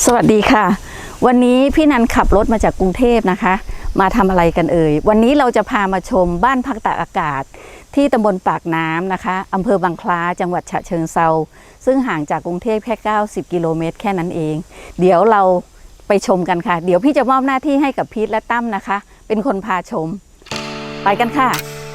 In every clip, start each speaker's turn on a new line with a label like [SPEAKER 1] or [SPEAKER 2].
[SPEAKER 1] วัสดีค่ะวันนี้พี่นันขับรถมาจากกรุงเทพนะคะมาทำอะไรกันเอ่ยวันนี้เราจะพามาชมบ้านพักตากอากาศที่ตำบลปากน้ำนะคะอำเภอบางคล้าจังหวัดฉะเชิงเทราซึ่งห่างจากกรุงเทพแค่90กิโลเมตรแค่นั้นเองเดี๋ยวเราไปชมกันค่ะเดี๋ยวพี่จะมอบหน้าที่ให้กับพีทและตั้มนะคะเป็นคนพาชมไปกันค่ะ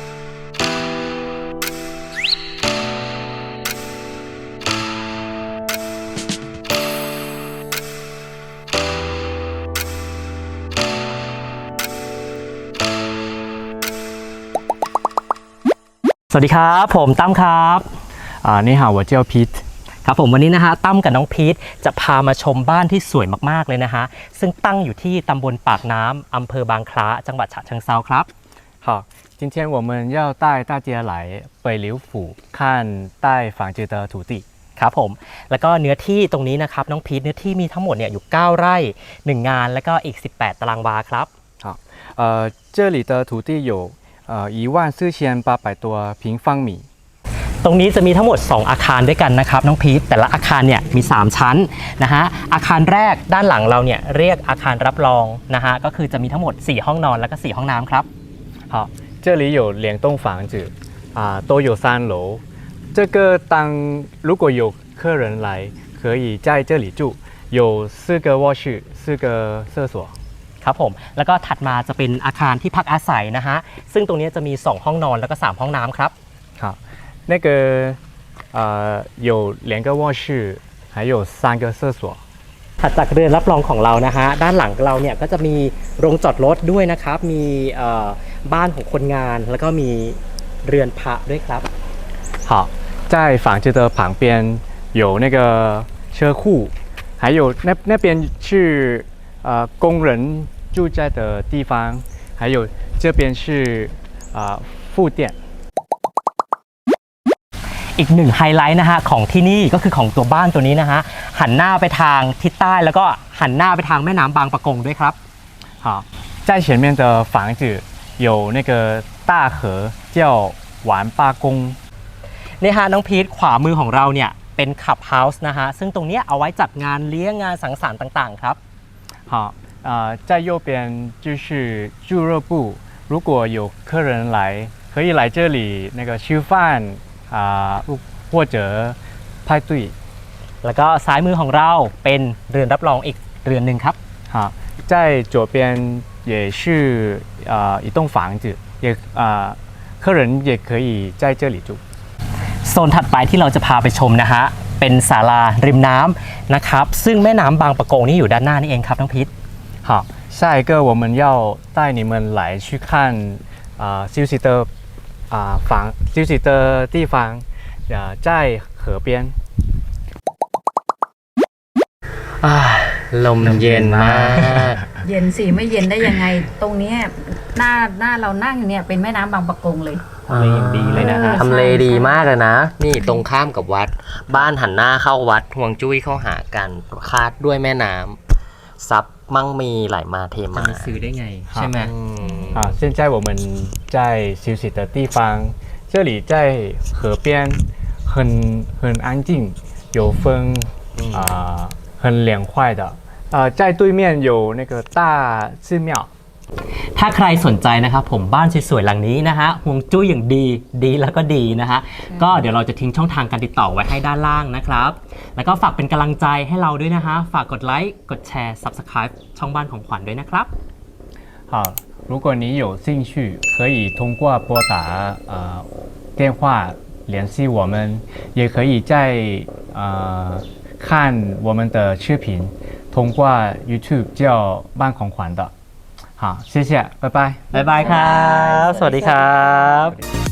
[SPEAKER 2] สวัสดีครับผมตั้มครับ
[SPEAKER 3] 你好我叫 Pete
[SPEAKER 2] ครับผมวันนี้นะฮะตั้มกับน้องพีทจะพามาชมบ้านที่สวยมากๆเลยนะฮะซึ่งตั้งอยู่ที่ตำบลปากน้ำอำเภอบางคล้าจังหวัดฉะเชิงเทราครับ
[SPEAKER 3] 好今天我们要带大家来北柳府看带房子的土地
[SPEAKER 2] ครับผมแล้วก็เนื้อที่ตรงนี้นะครับน้องพีทเนื้อที่มีทั้งหมดเนี่ยอยู่9ไร่1งานแล้วก็อีก18ตารางวาครับ
[SPEAKER 3] 好这里的土地有14800多平方米
[SPEAKER 2] ตรงนี้จะมีทั้งหมด2อาคารด้วยกันนะครับน้องพีทแต่ละอาคารเนี่ยมี3ชั้นนะฮะอาคารแรกด้านหลังเราเนี่ยเรียกอาคารรับรองนะฮะก็คือจะมีทั้งหมด4ห้องนอนแล้วก็4ห้องน้ำครับ
[SPEAKER 3] 好这里有2栋房子都有3楼这个如果有客人来可以在这里住有4个卧室4个厕所
[SPEAKER 2] ครับผมแล้วก็ถัดมาจะเป็นอาคารที่พักอาศัยนะฮะซึ่งตรงนี้จะมี2ห้องนอนแล้วก็3ห้องน้ำครับ
[SPEAKER 3] 好那个有2个卧室还有3个厕所
[SPEAKER 2] ถัดจากเรือนรับรองของเรานะฮะด้านหลังเราเนี่ยก็จะมีโรงจอดรถด้วยนะครับมีบ้านของคนงานแล้วก็มีเรือนพระด้วยครับ
[SPEAKER 3] 好在房子的旁边有那个车库还有那边是工人住在的地方还有这边是副店
[SPEAKER 2] อีกหนึ่งไฮไลท์นะฮะของที่นี่ก็คือของตัวบ้านตัวนี้นะฮะหันหน้าไปทางทิศใต้แล้วก็หันหน้าไปทางแม่น้ำบางปะกงด้วยครับ
[SPEAKER 3] 好在前面的房子有那个大河叫完八公
[SPEAKER 2] นี่ฮะน้องพีทขวามือของเราเนี่ยเป็นคลับเฮาส์นะฮะซึ่งตรงนี้เอาไว้จัดงานเลี้ยงงานสังสรรค์ต่างๆครับ
[SPEAKER 3] 好在右边就是俱乐部如果有客人来可以来这里那个吃饭或者派对
[SPEAKER 2] แล้วก็ซ้ายมือของเราเป็นเรือนรับรองอีกเรือนหนึ่งครับ
[SPEAKER 3] 好在左边也是一栋房子也客人也可以在这里住
[SPEAKER 2] โซนถัดไปที่เราจะพาไปชมนะฮะเป็นศาลาริมน้ำนะครับซึ่งแม่น้ำบางปะกงนี่อยู่ด้านหน้านี่เองครับน้องพีท
[SPEAKER 3] 好下一个我们要带你们来去看休息的休息的地方在河边
[SPEAKER 2] ลมเย็นมาก
[SPEAKER 1] เย็นสิไม่เย็นได้ยังไงตรงนี้หน้าเรานั่งเนี่ยเป็นแม่น้ำบางปะกงเลย
[SPEAKER 2] ทำเลอย่างดีเลยนะฮะทำเลดีมากเลยนะนี่ตรงข้ามกับวัดบ้านหันหน้าเข้าวัดห่วงจุ้ยเข้าหากันคาดด้วยแม่น้ำซับมั่งมีไหลมาเทมาจะซื้อได้ไงใช่ไหม
[SPEAKER 3] 现在我们在休息的地方这里在河边很安静有风很凉快的在对面有那个大寺庙
[SPEAKER 2] ถ้าใครสนใจนะครับผมบ้านสวยๆหลังนี้นะฮะห่วงจุ้ยอย่างดีแล้วก็ดีนะฮะก็เดี๋ยวเราจะทิ้งช่องทางการติดต่อไว้ให้ด้านล่างนะครับแล้วก็ฝากเป็นกำลังใจให้เราด้วยนะฮะฝากกดไลค์กดแชร์ Subscribe ช่องบ้านของขวัญด้วยนะครับ
[SPEAKER 3] 好如果你有兴趣可以通过拨打电话联系我们也可以在看我们的视频通过 YouTube 叫บ้านของขวัญ的好谢谢拜拜
[SPEAKER 2] บ๊ายบายครับสวัสดีครับ